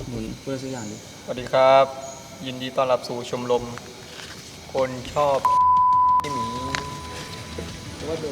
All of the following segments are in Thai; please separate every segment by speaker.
Speaker 1: หมุนเพื่อสักอย่างดิ
Speaker 2: สวัสดีครับ ยินดีต้อนรับสู่ชมรมคนชอบหมีว่าโดน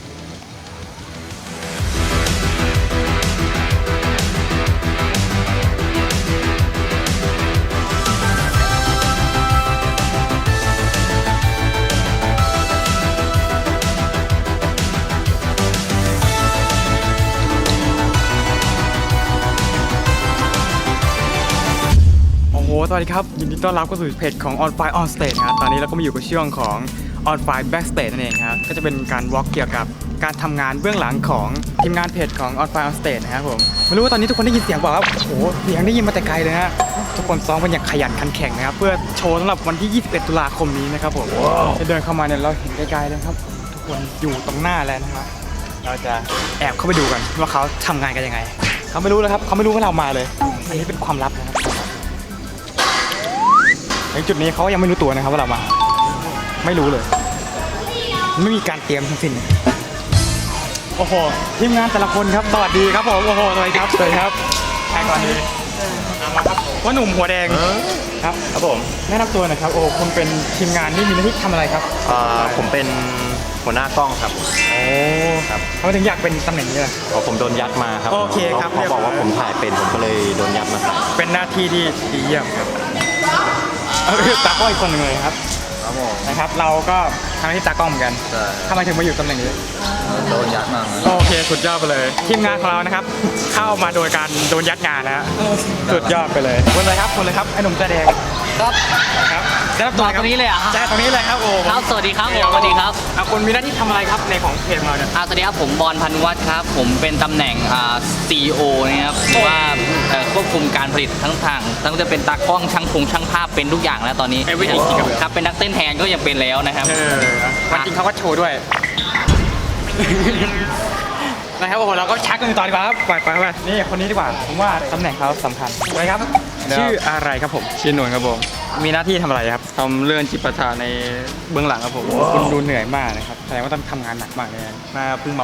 Speaker 3: สวัสดีครับยินดีต้อนรับเข้าสู่เพจของ On Fire On Stage นะครับตอนนี้เราก็มาอยู่กับช่วงของ On Fire Backstage นั่นเองครับก็จะเป็นการวอล์กเกี่ยวกับการทำงานเบื้องหลังของทีมงานเพจของ On Fire On Stage นะครับผมไม่รู้ว่าตอนนี้ทุกคนได้ยินเสียงเปล่าครับโอ้โหเสียงได้ยินมาแต่ไกลเลยฮะทุกคนซ้อมกันอย่างขยันขันแข็งนะครับเพื่อโชว์สำหรับวันที่ 21 ตุลาคมนี้นะครับผมจะเดินเข้ามาเนี่ยเราเห็นไกลๆเลยครับทุกคนอยู่ตรงหน้าแล้วนะครับเราจะแอบเข้าไปดูกันว่าเขาทำงานกันยังไงเขาไม่รู้เลยครับเขาไม่รู้ว่าเรามาเลยอันนี้เป็นความลับนะครับในจุดนี้เขายังไม่รู้ตัวนะครับว่าเรามาไม่รู้เลยไม่มีการเตรียมทั้งสิ้นโอ้โหทีมงานแต่ละคนครับสวัสดีครับผมโอ้โหสวัสดีครับสวัสดีครับใครก่อนดีว่าหนุ่มหัวแดงครับครับผมแนะนำตัวหน่อยครับโอ้คุณเป็นทีมงานที่มีหน้าที่ทำอะไรครับ
Speaker 4: ผมเป็นหัวหน้ากล้องครับ
Speaker 3: โอ้ครับเขาถึงอยากเป็นตำแหน่งนี้เลย
Speaker 4: ผมโดนยัดมาครับ
Speaker 3: โอเคครับ
Speaker 4: เขาบอกว่าผมถ่ายเป็นผมก็เลยโดนยัดมาใส่
Speaker 3: เป็นหน้าที่ที่ดีเยี่ยมครับตากล้องอีกคนหนึ่งเลยครับนะครับเราก็ทำหน้าที่ตากล้องเหมือนกันทำไมถึงมาอยู่ตำแหน่งนี้
Speaker 1: โดนยัดมา
Speaker 3: โอเคสุดยอดไปเลยทีมงานของเรานะครับเข้ามาโดยการโดนยัดงานนะฮะสุดยอดไปเลยคนเลยครับคนเลยครับไอ้หนุ่มแสดง
Speaker 5: ครับ
Speaker 3: ครับจะรับตัว
Speaker 5: ตรงนี้เลยอ่ะ
Speaker 3: ใช่ตรงนี้เลยครับโอ้
Speaker 5: ครับสวัสดีครับผมสวัสดีครับ
Speaker 3: คุณมีหน้าที่ทำอะไรครับในของเพจของเราเนี่ย
Speaker 5: สวัสดีครับผมบอลพันวัฒน์ครับผมเป็นตำแหน่งCEO นะครับว่าควบคุมการผลิตทั้งจะเป็นตากล้องช่างช่างภาพเป็นทุกอย่างแล้วตอนนี้ครับเป็นนักเต้นแทนก็ยังเป็นแล้วนะครับ
Speaker 3: วันจริงเขาก็โชว์ด้วยนะครับโอ้โหเราก็ชักกันต่อดีกว่าครับไปนี่คนนี้ดีกว่าผมว่าตำแหน่งเขาสำคัญอะไรครับชื่ออะไรครับผม
Speaker 2: ชื่อหนุ่นครับผม
Speaker 3: มีหน้าที่ทำอะไรครับ
Speaker 2: ทำเรื่องจิปาถะในเบื้องหลังครับผม
Speaker 3: คุณดูเหนื่อยมากนะครับแสดงว่าต้องทำงานหนักมากเลย
Speaker 2: มาเพิ่งมา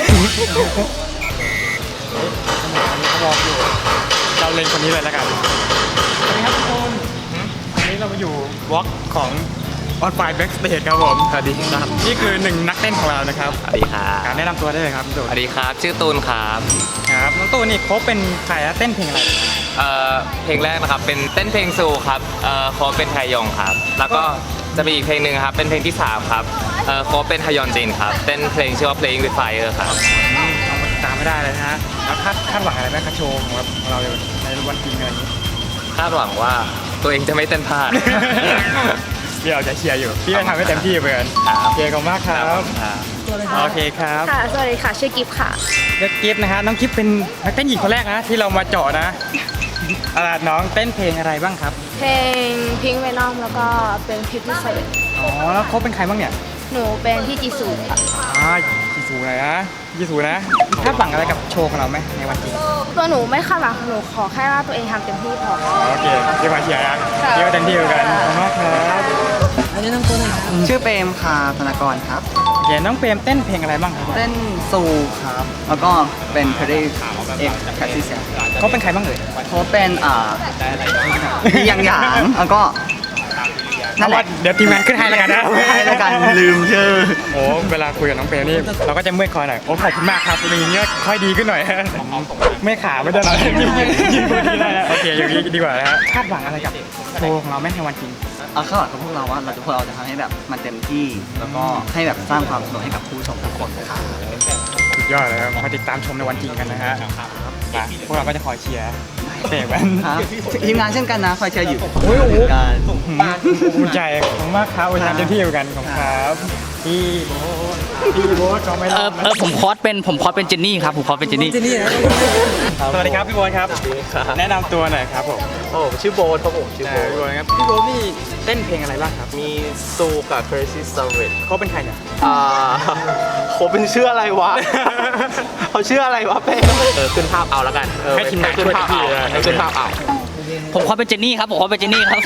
Speaker 3: เขาบอกอยู่เราเล่นคนนี้เลยแล้วกันสวัสดีครับทุกคนวันนี้เรามาอยู่วอล์กของ On Fire Backstage ครับผม
Speaker 2: สวัสดีครับ
Speaker 3: นี่คือหนึ่งนักเต้นของเรานะครับ
Speaker 4: สวัสดีครับ
Speaker 3: การแนะนำตัวได้เลยครับ
Speaker 4: สวัสดีครับชื่อตูนครับ
Speaker 3: ครับน้องตูนนี่เขาเป็นใครเต้นเพลงอะไร
Speaker 4: เพลงแรกนะครับเป็นเต้นเพลงซูครับเขาเป็นไทยองครับแล้วก็จะมีอีกเพลงหนึ่งครับเป็นเพลงที่3ครับเขาเป็นฮยอนจินครับเต้นเพลงชื่อว่า Playing with Fire ครับ
Speaker 3: ตามไม่ได้เลยนะฮะแล้วคาดหวังอะไรไหมคะโชว์ของเราในวันจริงอะไรนี้
Speaker 4: คาดหวังว่าตัวเองจะไม่เต้นพลาด
Speaker 3: พี่เราจะเชียร์อยู่พี่จะทำให้เต็มที่เหมือนโอเคขอบคุณมากครับโอเคครับ
Speaker 6: ค่ะสวัสดีค่ะชื่อกิฟค่ะ
Speaker 3: กิฟนะฮะน้องกิฟเป็นนักเต้นหญิงคนแรกนะที่เรามาเจาะนะน้องเต้นเพลงอะไรบ้างครับ
Speaker 6: เพลงพิงค์เวนอมแล้วก็เป็นพิพิธภัณฑ์
Speaker 3: อ๋อแล้วเขาเป็นใครบ้างเนี่ย
Speaker 6: หนูเป็นพี่จีซูค่ะ
Speaker 3: จีซูอะไรนะจีซูนะคาดหวังอะไรกับโชว์ของเราไหมในวันจริง
Speaker 6: ตัวหนูไม่คาดหวังหนูขอแค่ว่าตัวเองทำเต็มที่พอ
Speaker 3: โอเคเดี๋ยวมาเชียร์นะเดี๋ยวเต็มที่กันขอบคุณมากครับ
Speaker 7: อันนี้น้องตัวไหนชื่อเปรมค่ะธนากรครับ
Speaker 3: โอเคน้องเปรมเต้นเพลงอะไรบ้างครับ
Speaker 7: เต้นซูครับแล้วก็เป็นเพลงเอกแคสซี่เซีย
Speaker 3: เขาเป็นใครบ้างเอ่ย
Speaker 7: เขาเป็นอย่างแล้วก็
Speaker 3: นั่นแหละเดี๋ยวทีมงานขึ้นให้แล้วกันนะ
Speaker 7: ให้แล้วกันลืมชื่อ
Speaker 3: โอ้เวลาคุยกับน้องเปรมนี่เราก็จะเมื่อยคอหน่อยโอ้ขอบคุณมากครับอย่างนี้ค่อยดีขึ้นหน่อยไม่ขาไม่ได้หรอกยืนดีได้โอเคอย่างนี้ดีกว่านะฮะคาดหวังอะไรกับโชว์ของเราแม่ในวันจริง
Speaker 7: คาดหวังกับพวกเราว่าพวกเราจะทำให้แบบมันเต็มที่แล้วก็ให้แบบสร้างความสนุกให้กับผู้ชมทุกคนค่ะ
Speaker 3: สุดยอดเลยครับมาติดตามชมในวันจริงกันนะฮะพวกเราก็จะคอยเชียร์เตะกัน
Speaker 7: ทีมงานเช่นกันนะคอยเชียร์อยู่
Speaker 3: โอ้โหภูมิใจขอบคุณมากครับวันนี้เต็มที่เหมือนกันขอบคุณครับพี่โบ๊ทก็ไม่รับ
Speaker 5: ผมคอสเป็นเจนนี่ครับผมคอสเป็นเจนนี่
Speaker 3: สวัสดีครับพี่โบ๊ทครับแนะนำตัวหน่อยครับผม
Speaker 4: ชื่อโบ๊ทครับผมชื่อโบ๊ท
Speaker 3: ครับพี่โบ๊ทนี่เต้นเพลงอะไรบ้างครับ
Speaker 4: มีซูกับ Crazy Savage
Speaker 3: เขาเป็นใครเนี่ย
Speaker 4: เขาเป็นชื่ออะไรวะเขาชื่ออะไรวะเป้ขึ้นภาพเอาแล้วกัน
Speaker 3: ให้ทีมงานขึ้นภาพเอา
Speaker 5: ผมคอสเป็นเจนนี่ครับผมคอสเป็นเจนนี่ครับ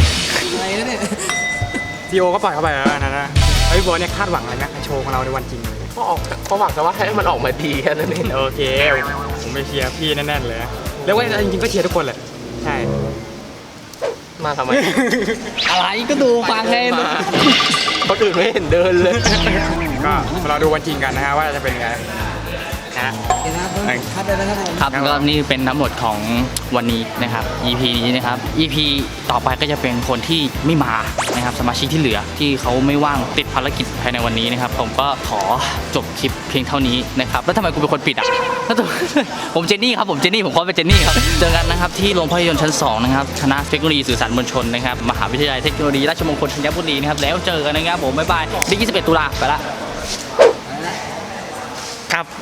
Speaker 3: ซีโอก็ปล่อยเข้าไปแล้วนะไอ้โบ๊ทเนี่ยคาดหวังอะไรไหมโชว์ของเราในวันจริงเลย
Speaker 4: ก็หวังแต่ว่าให้มันออกมาดีแค่นั้นเอง
Speaker 3: โอเคผมไปเชียร์พี่แน่นๆเลยเรียกว่าจริงๆก็เชียร์ทุกคนแหละใช่
Speaker 2: มาทำไม
Speaker 5: อะไรก็ดูฟังไง
Speaker 2: คนอื่นไม่เห็นเดินเลย
Speaker 3: ก็เราดูวันจริงกันนะฮะว่าจะเป็นไงนะ
Speaker 5: ครับก็นี่เป็นทั้งหมดของวันนี้นะครับ EP นี้นะครับ EP ต่อไปก็จะเป็นคนที่ไม่มานะครับสมาชิกที่เหลือที่เขาไม่ว่างติดภารกิจภายในวันนี้นะครับผมก็ขอจบคลิปเพียงเท่านี้นะครับแล้วทำไมกูเป็นคนปิดอ่ะแล้วตัวผมเจนนี่ครับผมเจนนี่ผมขอเป็นเจนนี่ครับเจอกันนะครับที่โรงภาพยนตร์ชั้น2นะครับคณะเทคโนโลยีสื่อสารมวลชนนะครับมหาวิทยาลัยเทคโนโลยีราชมงคลธัญบุรีนะครับแล้วเจอกันนะครับผมบ๊ายบายที่21 ตุลาไปละ
Speaker 3: ครับ